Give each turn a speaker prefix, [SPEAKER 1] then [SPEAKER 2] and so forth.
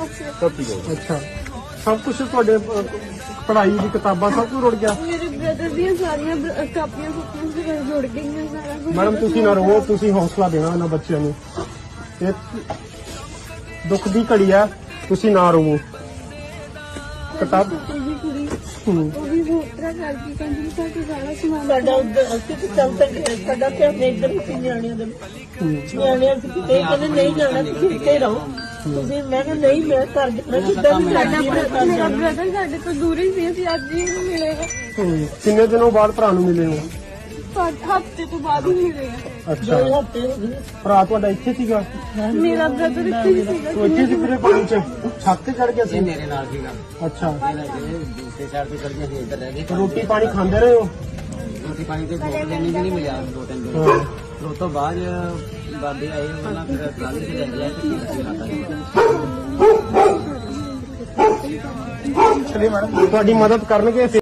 [SPEAKER 1] अच्छा सब कुछ ਤੁਹਾਡੇ पढ़ाई ਦੀ किताबां सब कुछ रुड़ गया।
[SPEAKER 2] मेरे ब्रदर ਦੀਆਂ ਸਾਰੀਆਂ ਕਾਪੀਆਂ ਕੁਪੀਆਂ ਜੁੜ ਗਈਆਂ ਸਾਰਾ ਕੁਝ।
[SPEAKER 1] मैडम ਤੁਸੀਂ ਨਾ ਰੋ, ਤੁਸੀਂ ਹੌਸਲਾ ਦੇਣਾ ਇਹਨਾਂ ਬੱਚਿਆਂ ਨੂੰ। ਇਹ ਦੁੱਖ ਦੀ ਘੜੀ ਆ, ਤੁਸੀਂ ਨਾ ਰੋਵੋ। किताब
[SPEAKER 2] जी कुड़ी वो भी बहुत तरह करती कंजरी का सारा सामान
[SPEAKER 3] ਸਾਡਾ ਉੱਧਰ ਅਸੀਂ ਤੇ ਚੱਲ ਸਕਦੇ ਸਾਡਾ ਤੇ ਆਪਣੇ ਇੱਧਰ ਸੀ ਨਿਆਣਿਆਂ ਦੇ ਨਿਆਣਿਆਂ ਸੀ ਕਿਤੇ ਕਹਿੰਦੇ ਨਹੀਂ ਜਾਣਾ ਤੁਸੀਂ ਇੱਥੇ ਰਹੋ ਤੁਸੀਂ ਮੈਂ ਕਿਹਾ ਨਹੀਂ ਮੈਂ ਘਰ ਜਾਣਾ ਜਿੱਦਾਂ ਵੀ
[SPEAKER 2] ਸਾਡਾ
[SPEAKER 3] ਸਾਡਾ
[SPEAKER 2] ਮੇਰਾ ਬ੍ਰਦਰ ਸਾਡੇ ਤੋਂ ਦੂਰ ਹੀ ਸੀ ਅਸੀਂ ਅੱਜ ਹੀ ਨਹੀਂ ਮਿਲੇ
[SPEAKER 1] ਕਿੰਨੇ ਦਿਨੋਂ ਬਾਅਦ ਭਰਾ ਨੂੰ ਮਿਲੇ ਹੋ?
[SPEAKER 2] ਹਫ਼ਤੇ ਤੋਂ ਬਾਅਦ ਹੀ ਮਿਲੇ ਆ।
[SPEAKER 1] ਅੱਛਾ
[SPEAKER 3] ਹਫ਼ਤੇ ਹੋ ਗਏ
[SPEAKER 1] ਭਰਾ ਤੁਹਾਡਾ ਇੱਥੇ ਸੀਗਾ?
[SPEAKER 2] ਮੇਰਾ ਬ੍ਰਦਰ ਇੱਥੇ ਹੀ ਸੀਗਾ।
[SPEAKER 1] ਉਹ ਇੱਥੇ ਸੀ ਪੂਰੇ ਪਾਣੀ ਚ ਛੱਤ ਤੇ ਚੜ ਗਿਆ ਸੀ?
[SPEAKER 4] ਮੇਰੇ ਨਾਲ ਸੀਗਾ।
[SPEAKER 1] ਅੱਛਾ
[SPEAKER 4] ਦੂਸਰੇ ਸਾਈਡ ਤੇ ਚੜ ਗਿਆ ਸੀ, ਇੱਧਰ ਰਹਿ ਗਏ।
[SPEAKER 1] ਰੋਟੀ ਪਾਣੀ ਖਾਂਦੇ ਰਹੇ ਹੋ?
[SPEAKER 4] ਰੋਟੀ ਪਾਣੀ ਤੇ 2 ਦਿਨ ਵੀ ਨਹੀਂ ਮਿਲਿਆ, 2-3 ਦਿਨ।
[SPEAKER 1] ਹਾਂ।
[SPEAKER 4] ਉਸ ਤੋਂ ਬਾਅਦ ਬਾਬੇ ਆਏ ਉਹਨਾਂ ਫਿਰ ਟਰਾਲੀ ਤੇ ਲੈ ਗਿਆ ਤੇ
[SPEAKER 1] ਤੁਹਾਡੀ ਮਦਦ ਕਰਨਗੇ।